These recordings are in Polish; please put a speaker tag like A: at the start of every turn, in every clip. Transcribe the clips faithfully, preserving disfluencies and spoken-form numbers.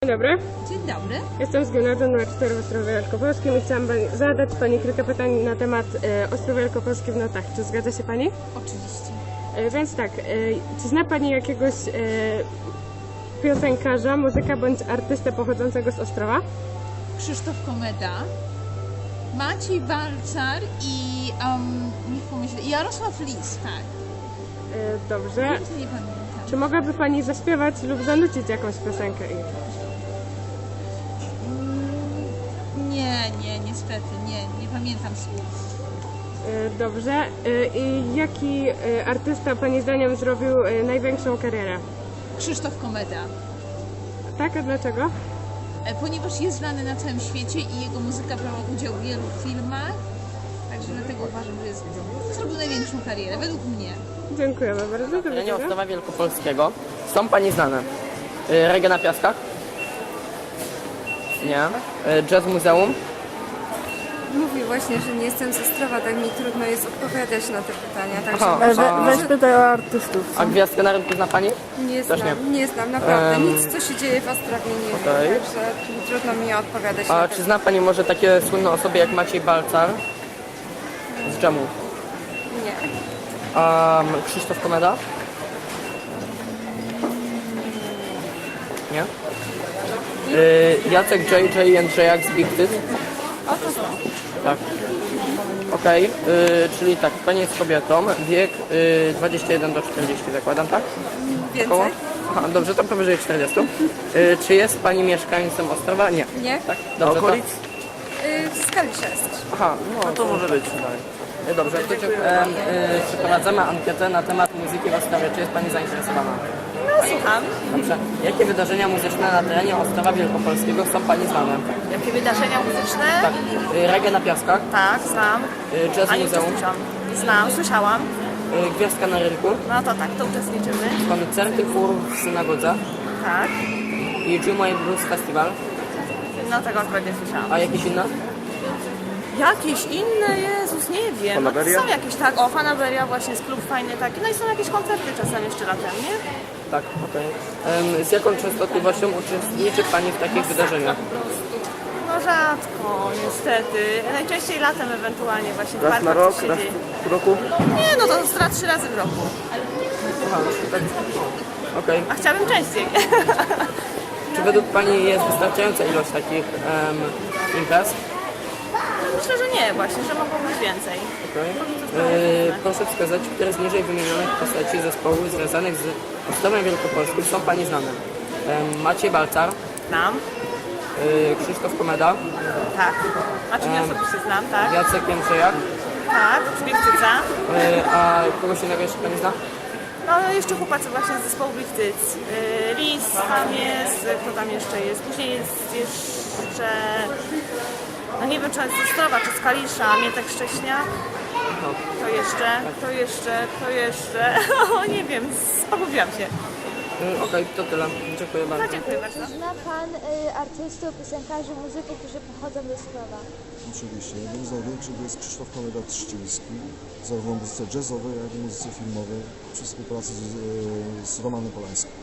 A: Dzień dobry.
B: Dzień dobry.
A: Jestem z gimnazjum numer cztery w Ostrowie Wielkopolskim i chciałam zadać Pani kilka pytań na temat e, Ostrów Wielkopolski w notach. Czy zgadza się Pani?
B: Oczywiście.
A: E, więc tak, e, czy zna Pani jakiegoś e, piosenkarza, muzyka bądź artystę pochodzącego z Ostrowa?
B: Krzysztof Komeda, Maciej Balcar i um, niech pomyślę, Jarosław Lis, tak.
A: E, dobrze.
B: Więcej nie pamiętam.
A: Czy mogłaby Pani zaśpiewać lub zanucić jakąś piosenkę?
B: Mm, Nie, nie, niestety, nie, nie pamiętam słów.
A: E, dobrze. E, I jaki e, artysta Pani zdaniem zrobił e, największą karierę?
B: Krzysztof Komeda,
A: Tak, a dlaczego?
B: e, ponieważ jest znany na całym świecie i jego muzyka brała udział w wielu filmach, także dlatego uważam, że jest, zrobił największą karierę, według mnie.
A: Dziękujemy bardzo. Do
C: terenie
A: widzenia.
C: Ostrowa Wielkopolskiego są Pani znane? Y, Reggae na Piaskach? Nie. Y, Jazz Muzeum?
D: Mówi właśnie, że nie jestem z Ostrowa, tak mi trudno jest odpowiadać na te pytania, także
C: Aha,
D: może,
C: a-
D: może
E: Weź pytaj o artystów.
C: A Gwiazdkę na rynku zna Pani?
D: nie
C: też
D: znam, nie. znam naprawdę,
C: Em,
D: nic co się dzieje w Ostrowie nie
C: okej.
D: wiem, także trudno mi odpowiadać
C: A
D: na
C: czy
D: te
C: zna Pani może takie słynne osoby jak Maciej Balcar z Dżemu?
D: Nie.
C: A Krzysztof Komeda? Nie? Y, Jacek J J Jędrzejak z Big Tyt?
D: O to znam.
C: Tak. Okej, y, czyli tak, Pani jest kobietą, wiek y, dwadzieścia jeden do czterdziestu zakładam, tak? Koło?
D: Więcej?
C: Aha, dobrze, to powyżej czterdziestu. Y, czy jest Pani mieszkańcem Ostrowa? Nie.
D: Nie?
C: Tak? Dobrze,
F: okolic?
D: Y, w Skaliszewsk.
C: To, aha, no,
F: No to może być.
C: Y, Dobrze, to e, y, przeprowadzamy ankietę na temat muzyki w Ostrowie. Czy jest Pani zainteresowana?
D: No słucham.
C: Dobrze. Jakie wydarzenia muzyczne na terenie Ostrowa Wielkopolskiego są Pani znane?
G: Jakie wydarzenia muzyczne?
C: Tak. Y, Reggae na Piaskach,
G: Tak, znam.
C: y, Jazz
G: A nie
C: Muzeum,
G: uczestniczam. Znam, słyszałam.
C: y, Gwiazdka na rynku,
G: No to tak, to uczestniczymy.
C: koncerty chór w synagodze
G: Tak.
C: i Jumai Blues Festival.
G: No tego akurat nie słyszałam.
C: A jakieś inne?
G: Jakieś inne, Jezus, nie wiem. No,
F: Fanaberia?
G: są jakieś, tak, o, Fanaberia właśnie jest klub fajny taki. No i są jakieś koncerty czasem jeszcze latem, nie?
C: Tak, okej. Em, Z jaką częstotliwością uczestniczy Pani w takich wydarzeniach?
G: No rzadko, niestety. Najczęściej latem ewentualnie właśnie w
F: Raz
G: parkach
F: na rok,
G: coś się
F: raz
G: dzieje.
F: w roku?
G: Nie, no to raz trzy razy w roku.
C: Aha, tak. Okej.
G: A chciałabym częściej.
C: Czy według Pani jest wystarczająca ilość takich em, imprez?
G: Myślę, że nie właśnie, że mogło być więcej.
C: Okej. E, proszę wskazać, które z niżej wymienionych postaci zespołów związanych z Ostrowem Wielkopolskim są Pani znane? Em, Maciej Balcar,
G: Znam.
C: e, Krzysztof Komeda,
G: Tak. A czy nie
C: Em,
G: osobiście znam, tak?
C: Jacek Jędrzejak,
G: Tak, z Biechtyca.
C: e, a kogoś innego jeszcze Pani zna?
G: No jeszcze chłopacy właśnie z zespołu Biechtyc. Yy, Lis tam jest, kto tam jeszcze jest? Później jest jeszcze, no nie wiem czy jest z Ostrowa, czy z Kalisza, Mietek Szcześniak. To jeszcze, to jeszcze, to jeszcze, o nie wiem, pogubiłam się.
C: E, Okej, to tyle. Dziękuję bardzo.
G: No dziękuję bardzo.
H: Zna Pan y, artystów, piosenkarzy, muzyków, którzy pochodzą ze Ostrowa?
I: Oczywiście. Jednym z największych jest Krzysztof Komeda Trzciński, zarówno w muzyce jazzowej, jak i muzyce filmowej, przy współpracy z, z Romanem Polańskim.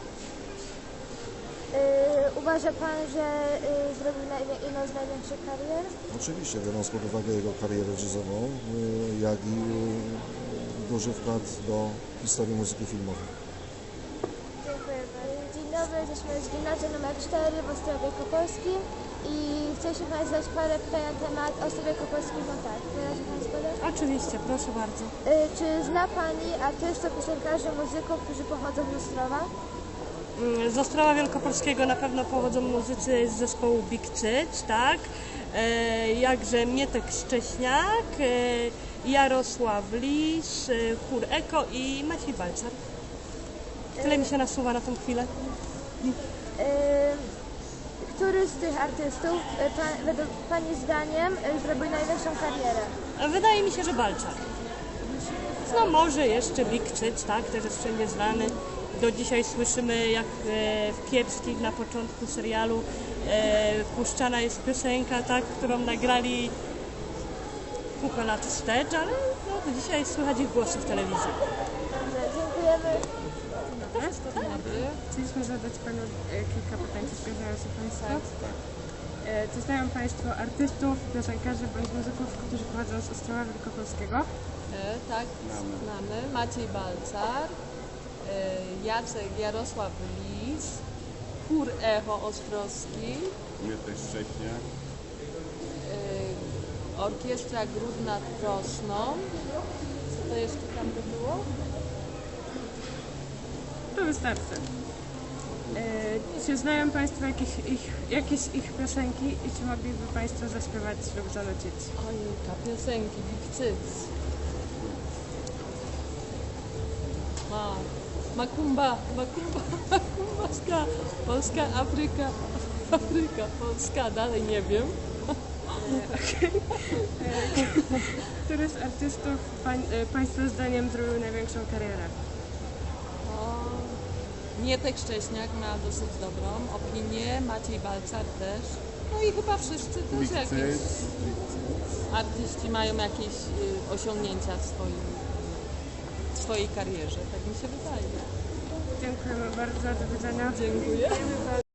H: Y, uważa Pan, że y, zrobił najwię- jedną z największych karier?
I: Oczywiście, biorąc pod uwagę jego karierę jazzową, y, jak i y, duży wkład do historii muzyki filmowej.
H: Dziękuję bardzo. Dzień dobry, jesteśmy z gimnazjum numer cztery w Ostrowie Wielkopolskim i chcieliśmy Państwu zadać parę pytań na temat Ostrowa Wielkopolskiego. No tak, wyrazi Pan zgodę?
A: Oczywiście, proszę bardzo.
H: Y, czy zna Pani artystów, piosenkarzy, muzyków, którzy pochodzą z Ostrowa?
E: Z Ostrowa Wielkopolskiego na pewno pochodzą muzycy z zespołu Big Tyt, tak? E, jakże Mietek Szcześniak, e, Jarosław Lis, e, chór Eko i Maciej Balcar. Tyle mi się nasuwa na tą chwilę.
H: Y, który z tych artystów y, pan, według Pani zdaniem y, zrobił największą karierę?
E: A wydaje mi się, że Balcar. No może jeszcze Big Tyt, tak? Też jest wszędzie znany. Do dzisiaj słyszymy, jak e, w Kiepskich na początku serialu e, puszczana jest piosenka, tak, którą nagrali kupę lat wstecz, ale no, do dzisiaj słychać ich głosy w telewizji.
H: Dobrze, dziękujemy.
A: dobry.
B: Dobry.
A: Chcieliśmy zadać Panu e, kilka pytań, czy zgadzają się Państwo? E, Czy znają Państwo artystów, piosenkarzy bądź muzyków, którzy pochodzą z Ostrowa Wielkopolskiego?
B: E, tak, znamy. Maciej Balcar, e, Jacek Jarosław Lis, Chór Echo Ostrowski,
F: Mietek Szcześniak.
B: e, Orkiestra Gród nad Prosną. Co to jeszcze tam by było?
A: To wystarczy. E, Czy znają Państwo jakieś ich, jakieś ich piosenki i czy mogliby Państwo zaśpiewać lub zanucić?
B: Ojejka, piosenki, Bikcyc. Ma. Makumba, Makumba, Makumbaska, Polska, Afryka, Afryka, Polska, dalej nie wiem.
A: Który z artystów pań, e, Państwa zdaniem zrobił największą karierę?
B: O, Mietek Szcześniak ma dosyć dobrą opinię, Maciej Balcar też. No i chyba wszyscy też jakieś artyści mają jakieś y, osiągnięcia w, swoim, w swojej karierze, tak mi się wydaje.
A: Dziękujemy bardzo, do widzenia.
B: Dziękuję.